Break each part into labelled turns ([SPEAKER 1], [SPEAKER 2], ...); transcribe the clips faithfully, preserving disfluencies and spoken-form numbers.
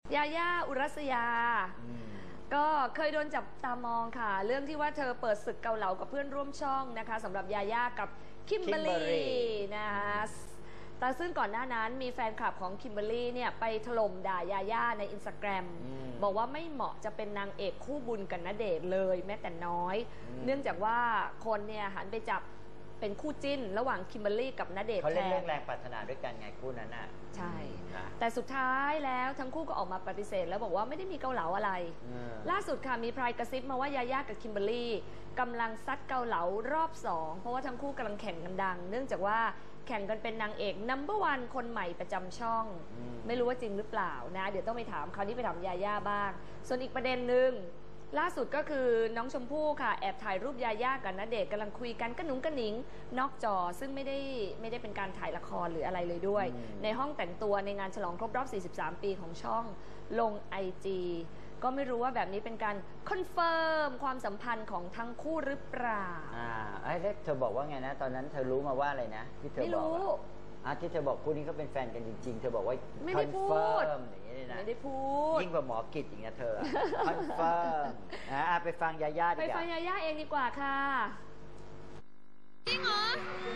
[SPEAKER 1] ยาย่าอุรัสยาก็เคยโดนจับตามองค่ะเรื่องที่ว่าเธอเปิดศึกเกาเหลากับเพื่อนร่วมช่องนะคะสำหรับยาย่ากับคิมเบอรรี่นะคะแต่ซึ่งก่อนหน้านั้นมีแฟนคลับของคิมเบอรรี่เนี่ยไปถล่มด่ายาย่าในอินสตาแกรมบอกว่าไม่เหมาะจะเป็นนางเอกคู่บุญกับณเดชน์เลยแม้แต่น้อยเนื่องจากว่าคนเนี่ยหันไปจับเป็นคู่จิ้นระหว่างคิมเบอรรี่กับณเดชน์แทนเขาเล่น
[SPEAKER 2] เรื่องแรงปรารถนาด้วยกันไงคู่นั้นน่ะ
[SPEAKER 1] ใช่แต่สุดท้ายแล้วทั้งคู่ก็ออกมาปฏิเสธแล้วบอกว่าไม่ได้มีเกาเหลาอะไรล่าสุดค่ะมีพรายกระซิบมาว่ายาย่ากับคิมเบอรรี่กำลังซัดเกาเหลารอบสองเพราะว่าทั้งคู่กำลังแข่งกันดังเนื่องจากว่าแข่งกันเป็นนางเอกนัมเบอร์วันคนใหม่ประจำช่องไม่รู้ว่าจริงหรือเปล่านะเดี๋ยวต้องไปถามคราวนี้ไปถามยาย่าบ้างส่วนอีกประเด็นหนึ่งล่าสุดก็คือน้องชมพู่ค่ะแอบถ่ายรูปยาย่ากับณเดชน์กำลังคุยกันกระหนุงกระหนิงนอกจอซึ่งไม่ได้ไม่ได้เป็นการถ่ายละครหรืออะไรเลยด้วยในห้องแต่งตัวในงานฉลองครบรอบสี่สิบสามปีของช่องลง ไอ จี ก็ไม่รู้ว่าแบบนี้เป็นการคอนเฟิร์มความสัมพันธ์ของทั้งคู่หรือเปล่า
[SPEAKER 2] อ่าไอ้เธอบอกว่าไงนะตอนนั้นเธอรู้มาว่าอะไรนะที่เธอบอกอ่ะที่เธอบอกคู่นี้ก็เป็นแฟนกันจริงๆเธอบอกว่า
[SPEAKER 1] ไม่ได้พูด
[SPEAKER 2] อย่างนี้เลยนะ
[SPEAKER 1] ไม่ได้พูด
[SPEAKER 2] ยิ่งกว่าหมอกิจอย่างเงี้ยเธอคอนเฟิร์มอ่ะไปฟังยาย่าดีกว่า
[SPEAKER 1] ไปฟังยาย่าเองดีกว่าค่ะ
[SPEAKER 3] จริงเหรอ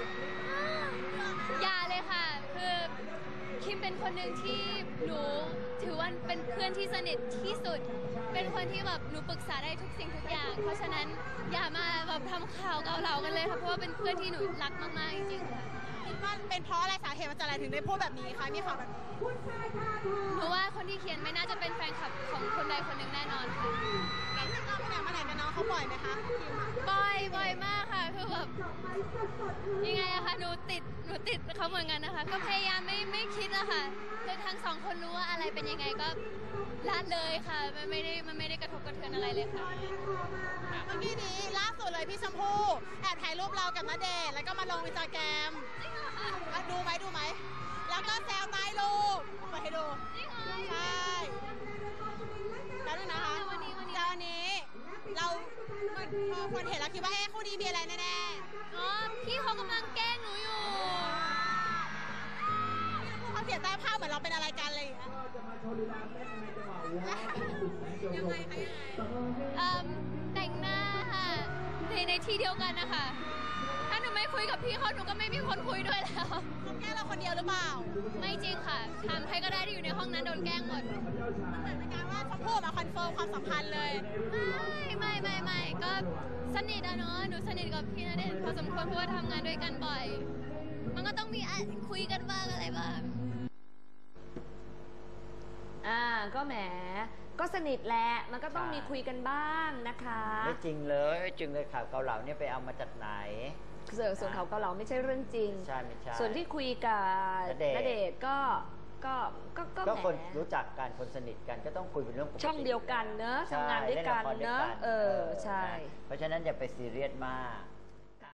[SPEAKER 3] อย่าเลยค่ะคือคิมเป็นคนหนึ่งที่หนูถือว่าเป็นเพื่อนที่สนิทที่สุดเป็นคนที่แบบหนูปรึกษาได้ทุกสิ่งทุกอย่างเพราะฉะนั้นอย่ามาแบบทำข่าวเกาเหลากันเลยค่ะเพราะว่าเป็นเพื่อนที่หนูรักมากๆจริงๆค่ะ
[SPEAKER 4] คิดว่าเป็นเพราะอะไรสาเหตุมาจากอะไรถึงได้พูดแบบนี้คะมีข่าวแบบนี้
[SPEAKER 3] หนูว่าคนที่เขียนไม่น่าจะเป็นแฟนคลับของคนใดคนหนึ่งแน่นอนค่ะ
[SPEAKER 4] แล้วเราไปไหนมาไหนกับน้องเขาบ่อยไหมคะคิม
[SPEAKER 3] บ่อยบ่อยมากค่ะคือแบบยังไงอะคะหนูติดหนูติดเขาเหมือนกันนะคะก็พยายามไม่ไม่คิดอะค่ะคือทั้งสองคนรู้ว่าอะไรเป็นยังไงก็ละเลยค่ะมันไม่ได้มันไม่ได้กระทบกระเทือนอะไรเลยค่ะ
[SPEAKER 4] เมื่อกี้นี้ล่าสุดเลยพี่ชมพู่แอบถ่ายรูปเรากับณเดชน์แล้วก็มาลงอินสตาแกรมดูไหมดูไหมแล้วก็แซวใต้รูปมาให้ดูใช่แล้วนึงนะคะแล้ววันนี้เราพอคนเห็นแล้วคิดว่าเอ๊ะคู่นี้มีอะไรแน่
[SPEAKER 3] ๆอ๋อพี่เขากำลังแกล้งหนูอยู่
[SPEAKER 4] เขาเขียนใต้ภาพเหมือนเราเป็นอะไรกันเลยยังไงคะ
[SPEAKER 3] ยังไงแต่งหน้าค่ะในในที่เดียวกันนะคะถ้าหนูไม่คุยกับพี่เขาหนูก็ไม่มีคนคุยด้วยแล้ว
[SPEAKER 4] เขาแกล้งเราคนเดียวหรือเปล่า
[SPEAKER 3] ไม่จริงค่ะถามใครก็ได้ที่อยู่ในห้องนั้นโดนแกล้งหมด
[SPEAKER 4] มันเหมือนเป็นการว่าชมพู่มาคอนเฟิร์มความสัมพันธ์เลย
[SPEAKER 3] ไม่ไม่ไม่ไม่ก็สนิทอะเนาะหนูสนิทกับพี่ณเดชน์พอสมควรเพราะว่าทำงานด้วยกันบ่อยมันก็ต้องมีคุยกันบ้างอะไรบ้าง
[SPEAKER 1] อ่าก็แหมก็สนิทแหละมันก็ต้องมีคุยกันบ้างนะคะ
[SPEAKER 2] ไม่จริงเลยจริงเลยข่าวเกาเหลาเนี่ยไปเอามาจากไหน
[SPEAKER 1] ส่วนข่าวเกาเหลาไม่ใช่เรื่องจริง
[SPEAKER 2] ใช่ไม่ใช่
[SPEAKER 1] ส่วนที่คุยกับณเดชน์ก็ก็ก็
[SPEAKER 2] ก็คนรู้จักกันคนสนิทกันก็ต้องคุยเป็นเรื่องปกติ
[SPEAKER 1] ช่องเดียวกันเนอะทำงานด้วยกันเนอะเออใช่
[SPEAKER 2] เพราะฉะนั้นอย่าไปซีเรียสมาก